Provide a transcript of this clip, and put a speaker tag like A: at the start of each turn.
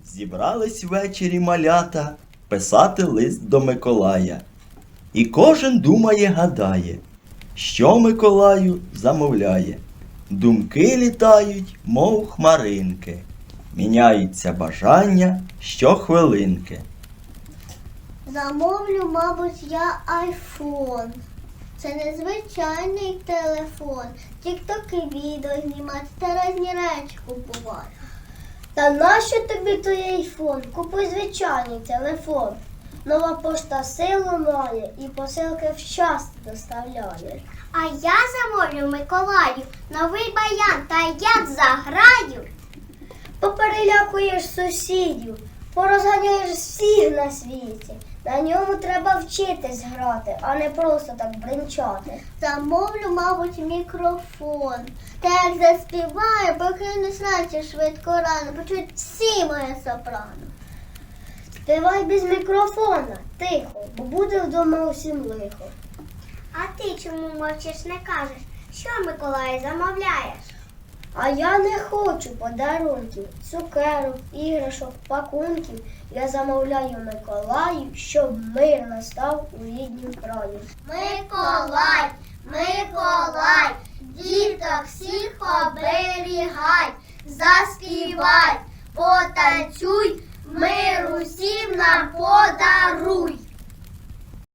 A: Зібрались ввечері малята писати лист до Миколая. І кожен думає, гадає, що Миколаю замовляє. Думки літають, мов хмаринки, міняються бажання щохвилинки.
B: Замовлю, мабуть, я айфон. Це незвичайний телефон. Тік-токи відео знімати та різні речі купувати. Та нащо тобі той айфон? Купуй звичайний телефон. Нова пошта силу має і посилки вчасно доставляє. А я замовлю Миколаю новий баян, та як заграю. Поперелякуєш сусідів, порозганяєш всіх на світі. На ньому треба вчитись грати, а не просто так бринчати. Замовлю, мабуть, мікрофон. Та як заспіваю, покинусь наче швидко рано, почують всі моє сопрано. Співай без мікрофона, тихо, бо буде вдома усім лихо. А ти чому мовчиш, не кажеш, що Миколай замовляєш? А я не хочу подарунків, цукерок, іграшок, пакунків. Я замовляю Миколаю, щоб мир настав у ріднім краю. Миколай, Миколай, діток всіх оберігай, заспівай, потанцюй, мир усім нам подаруй.